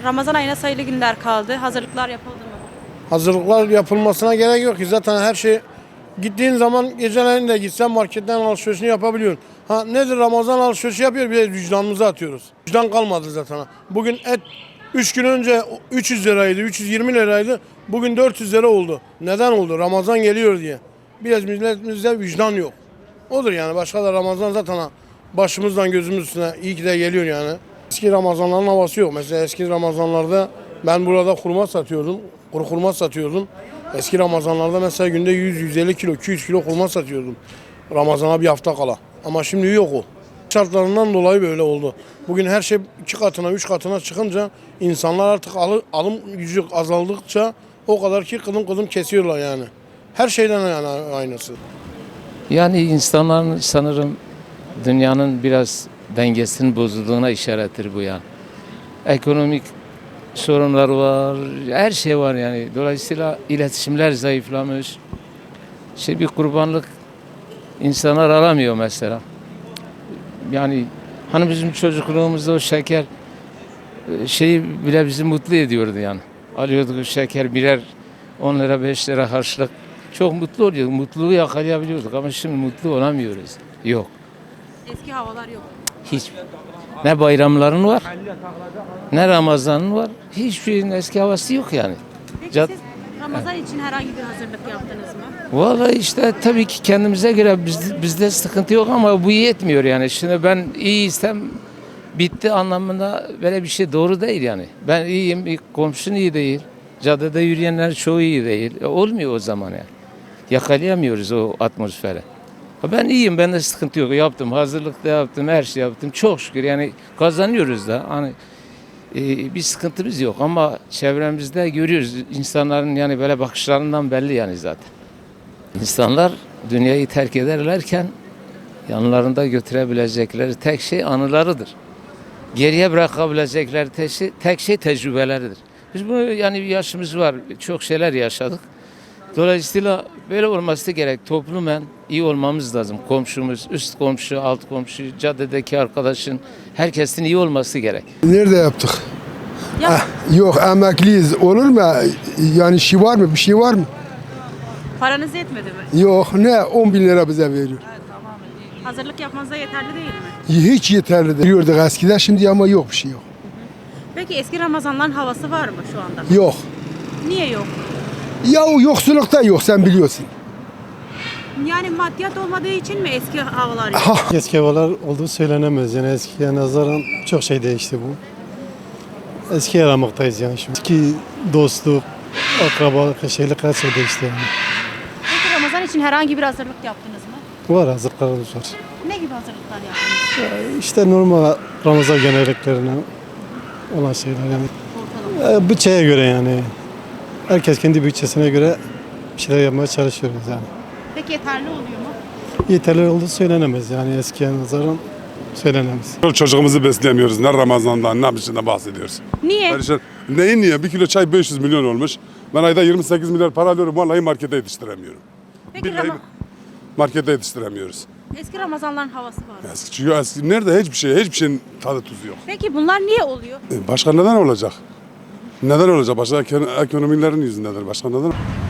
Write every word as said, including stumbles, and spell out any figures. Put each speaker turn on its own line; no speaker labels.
Ramazan ayına sayılı günler kaldı. Hazırlıklar yapıldı mı?
Hazırlıklar yapılmasına gerek yok ki. Zaten her şey gittiğin zaman geceleyin de gitsen marketten alışverişini yapabiliyorsun. Ha nedir, Ramazan alışverişi yapıyor, bir de vicdanımıza atıyoruz. Vicdan kalmadı zaten. Bugün et üç gün önce üç yüz liraydı, üç yüz yirmi liraydı. Bugün dört yüz lira oldu. Neden oldu? Ramazan geliyor diye. Biraz milletimizde vicdan yok. Odur yani. Başka da Ramazan zaten başımızdan gözümüz üstüne iyi ki de geliyor yani. Eski Ramazanların havası yok. Mesela eski Ramazanlarda ben burada hurma satıyordum. Kuru hurma satıyordum. Eski Ramazanlarda mesela günde yüz yüz elli kilo, iki yüz kilo hurma satıyordum. Ramazana bir hafta kala. Ama şimdi yok o. Şartlarından dolayı böyle oldu. Bugün her şey iki katına, üç katına çıkınca insanlar artık alım, alım gücü azaldıkça o kadar ki kıdım kıdım kesiyorlar yani. Her şeyden yani aynısı.
Yani insanların sanırım dünyanın biraz dengesinin bozulduğuna işarettir bu ya. Ekonomik sorunlar var, her şey var yani. Dolayısıyla iletişimler zayıflamış. Şey bir kurbanlık insanlar alamıyor mesela. Yani hani bizim çocukluğumuzda o şeker şeyi bile bizi mutlu ediyordu yani. Alıyorduk o şeker birer on lira beş lira harçlık. Çok mutlu oluyorduk. Mutluluğu yakalayabiliyorduk ama şimdi mutlu olamıyoruz. Yok.
Eski havalar yok.
Hiç. Ne bayramların var, ne Ramazan'ın var. Hiçbir şeyin eski havası yok yani.
Peki
Cad-
siz Ramazan için herhangi bir hazırlık yaptınız mı?
Vallahi işte tabii ki kendimize göre biz, bizde sıkıntı yok ama bu yetmiyor yani. Şimdi ben iyiysem bitti anlamında böyle bir şey doğru değil yani. Ben iyiyim, bir komşun iyi değil. Caddede yürüyenler çoğu iyi değil. E, olmuyor o zaman yani. Yakalayamıyoruz o atmosferi. Ha, ben iyiyim, bende sıkıntı yok. Yaptım, hazırlık da yaptım, her şey yaptım. Çok şükür yani kazanıyoruz da. Hani e, bir sıkıntımız yok ama çevremizde görüyoruz insanların yani böyle bakışlarından belli yani zaten. İnsanlar dünyayı terk ederlerken yanlarında götürebilecekleri tek şey anılarıdır. Geriye bırakabilecekleri tek şey, tek şey tecrübeleridir. Biz bu yani bir yaşımız var, çok şeyler yaşadık. Dolayısıyla böyle olması gerek. Toplumen iyi olmamız lazım. Komşumuz, üst komşu, alt komşu, caddedeki arkadaşın, herkesin iyi olması gerek.
Nerede yaptık?
Ya
Eh, yok emekliyiz. Olur mu? Yani şey var mı? Bir şey var mı?
paranız yetmedi mi?
Yok. Ne? on bin lira bize veriyor.
Hazırlık yapmanıza yeterli değil mi?
Hiç yeterli değil. Diyorduk eskiden, şimdi ama yok, bir şey yok.
Peki eski Ramazanların havası var mı şu anda?
Yok.
Niye yok?
Ya o yoksullukta yok, sen biliyorsun.
Yani maddiyat olmadığı için mi eski havalar yok?
Ha.
Eski havalar olduğu söylenemez. Yani eskiye nazaran çok şey değişti bu. Eskiye aramaktayız yani şimdi. Eski dostluk, akrabalık, şeylik her şey değişti yani.
Peki Ramazan için herhangi bir hazırlık yaptınız mı?
Var hazırlıklarımız var.
Ne gibi hazırlıklar yaptınız?
İşte normal Ramazan geleneklerine olan şeyler yani.
Ortalama.
E, bütçeye göre yani. Herkes kendi bütçesine göre bir şeyler yapmaya çalışıyoruz yani.
Peki yeterli oluyor mu?
Yeterli olduğu söylenemez yani eskiye nazaran söylenemez.
Çocuğumuzu besleyemiyoruz. Ne Ramazan'dan ne bir şeyden bahsediyoruz.
Niye?
Perişan. Neyin niye? Bir kilo çay beş yüz milyon olmuş. Ben ayda yirmi sekiz milyar para alıyorum. Vallahi markete yetiştiremiyorum.
Peki
Billahi
Rama-
markete yetiştiremiyoruz.
eski Ramazanların havası var mı?
Eski, çünkü eski, nerede hiçbir şey, hiçbir şeyin tadı tuzu yok.
Peki bunlar niye oluyor?
E, başka neden olacak? Neden olacak? Başka ekonomilerin yüzündedir. Başka neden?